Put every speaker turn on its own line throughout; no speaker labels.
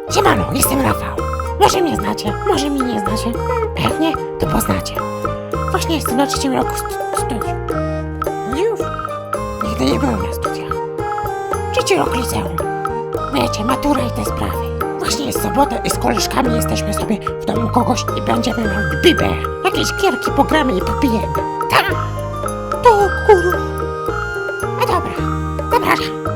Siemano, jestem Rafał. Może mnie znacie, może mnie nie znacie. A jak nie, to poznacie. Właśnie jestem na 3. roku studiów. Już? Nigdy nie byłem na studiach. 3. rok liceum. Wiecie, matura i te sprawy. Właśnie jest sobota i z koleżkami jesteśmy sobie w domu kogoś i będziemy mieli bibę. Jakieś gierki pogramy i popijemy. Tak? To kurwa. A dobra, zapraszam.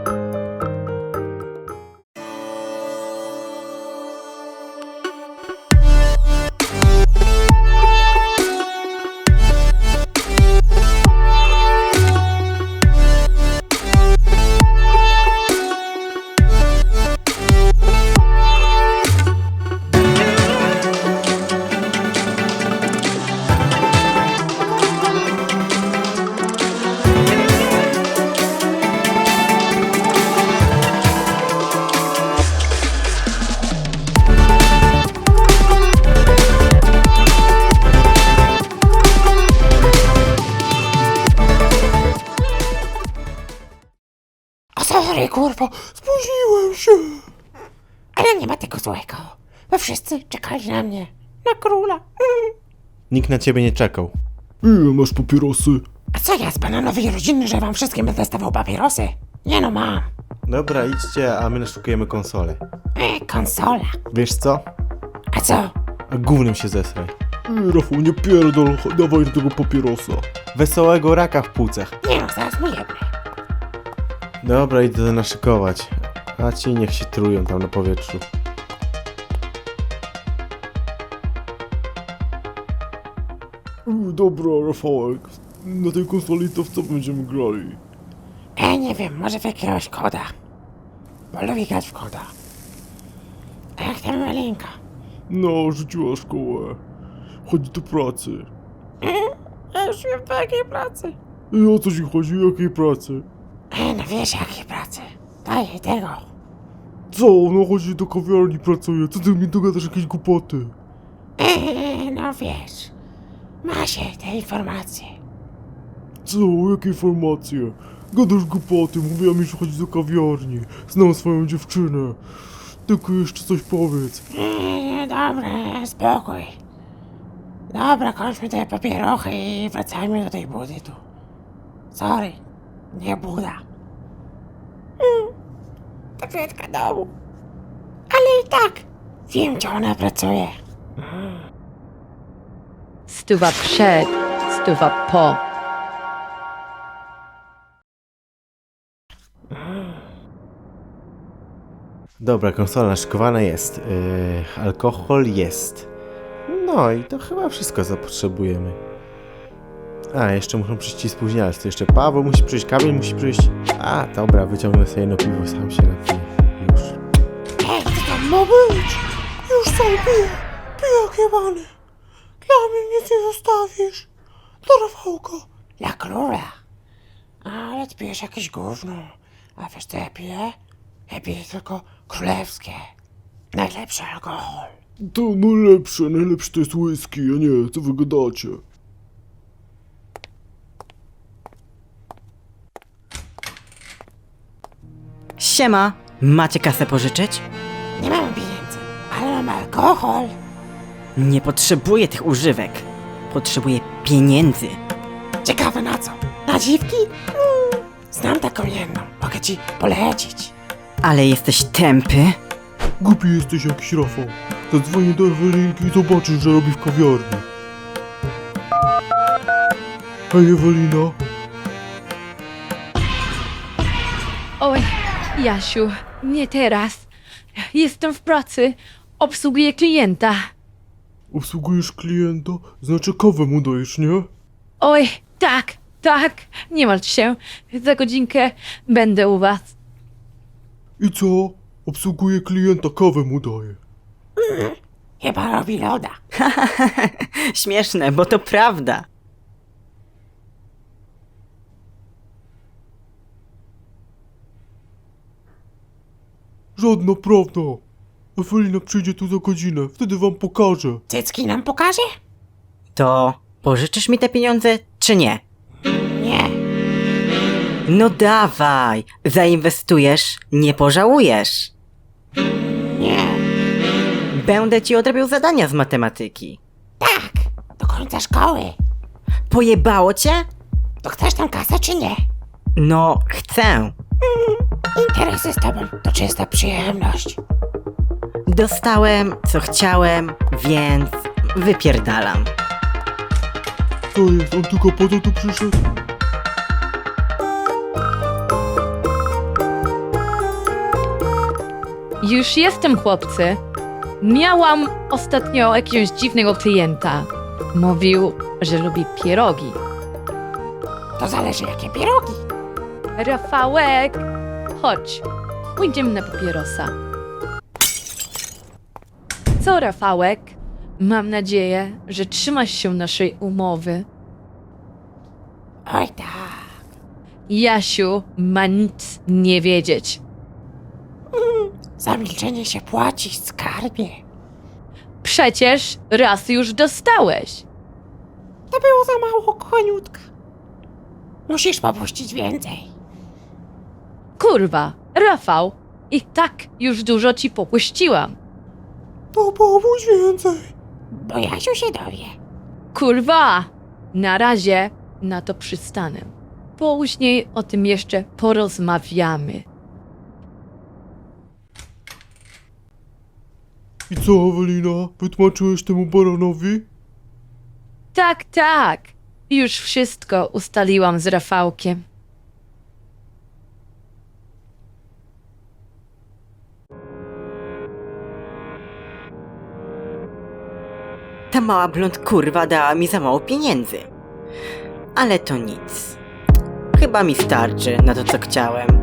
Sorry, kurwo, spóźniłem się. Ale nie ma tego złego, bo wszyscy czekali na mnie, na króla.
Nikt na ciebie nie czekał.
Ile masz papierosy?
A co ja z bananowej rodziny, że wam wszystkim będę stawał papierosy? Nie no, mam.
Dobra, idźcie, a my naszukujemy konsolę.
Konsola.
Wiesz co?
A co?
A gównem się zesraj.
Rafał, nie pierdol, dawaj tego papierosa.
Wesołego raka w płucach.
Nie no, zaraz mu jebnę.
Dobra, idę naszykować. A ci niech się trują tam na powietrzu.
Dobra, Rafałek, na tej konsoli to w co będziemy grali?
Nie wiem, może w jakiegoś koda. Bo lubię grać w koda. A jak tam malinka?
No, rzuciła szkołę. Chodzi do pracy.
Ja już wiem po jakiej pracy.
I o co ci chodzi? Jakiej pracy?
No wiesz jakiej pracy. Daj tego.
Co? No chodzi do kawiarni, pracuje. Co ty mi dogadasz jakieś głupoty?
No wiesz. Ma się te informacje.
Co? Jakie informacje? Gadasz głupoty, mówiła mi, że chodzi do kawiarni. Znam swoją dziewczynę. Tylko jeszcze coś powiedz.
Dobra, spokój. Dobra, kończmy te papierochy i wracajmy do tej budy tu. Sorry, nie buda. Tabletka domu. Ale i tak wiem, gdzie ona pracuje.
Stuwa przed, stuwa po.
Dobra, konsola naszykowana jest. Alkohol jest. No i to chyba wszystko, co potrzebujemy. A, jeszcze muszą przyjść ci spóźnialcy. To jeszcze Paweł musi przyjść, Kamil musi przyjść. A, dobra, wyciągnę sobie jedno piwo, sam się napiję. Już.
Co tam ma być? Już sam piję. Pijak jebany. Dla mnie nic nie zostawisz. Dla Rafałka. Dla króla. Ale ty pijesz jakieś gówno. A wiesz co ja piję? Ja piję tylko królewskie. Najlepszy alkohol.
To najlepsze to jest whisky, a nie, co wy gadacie?
Siema, macie kasę pożyczyć?
Nie mam pieniędzy, ale mam alkohol.
Nie potrzebuję tych używek. Potrzebuję pieniędzy.
Ciekawe na co? Na dziwki? Znam taką jedną. Mogę ci polecić.
Ale jesteś tępy?
Głupi jesteś jakiś Rafał. Zadzwonię do Ewelinki i zobaczysz, że robi w kawiarni. Hej Ewelina.
Oj, Jasiu, nie teraz. Jestem w pracy. Obsługuję klienta.
Obsługujesz klienta? Znaczy kawę mu dajesz, nie?
Oj, tak. Nie martw się. Za godzinkę będę u was.
I co? Obsługuję klienta, kawę mu daję.
Chyba robi loda.
Śmieszne, bo to prawda.
Żadna prawda. Ewelina przyjdzie tu za godzinę, wtedy wam pokażę.
Cycki nam pokaże?
To pożyczysz mi te pieniądze, czy nie?
Nie.
No dawaj, zainwestujesz, nie pożałujesz.
Nie.
Będę ci odrabiał zadania z matematyki.
Tak, do końca szkoły.
Pojebało cię?
To chcesz tę kasę czy nie?
No, chcę.
Interesy z tobą to czysta przyjemność.
Dostałem, co chciałem, więc wypierdalam.
Co jest, on tylko po to tu przyszedł?
Już jestem, chłopcy. Miałam ostatnio jakiegoś dziwnego klienta. Mówił, że lubi pierogi.
To zależy jakie pierogi.
Rafałek, chodź, pójdziemy na papierosa. Co, Rafałek? Mam nadzieję, że trzymasz się naszej umowy.
Oj tak.
Jasiu ma nic nie wiedzieć.
Za milczenie się płaci, skarbie.
Przecież raz już dostałeś.
To było za mało, koniutka. Musisz popuścić więcej.
Kurwa, Rafał, i tak już dużo ci popuściłam.
To pomóż więcej.
Bo Jasiu się dowie.
Kurwa, na razie na to przystanę. Później o tym jeszcze porozmawiamy.
I co, Ewelina? Wytłumaczyłeś temu baranowi?
Tak, tak. Już wszystko ustaliłam z Rafałkiem.
Ta mała blond kurwa dała mi za mało pieniędzy. Ale to nic. Chyba mi starczy na to, co chciałem.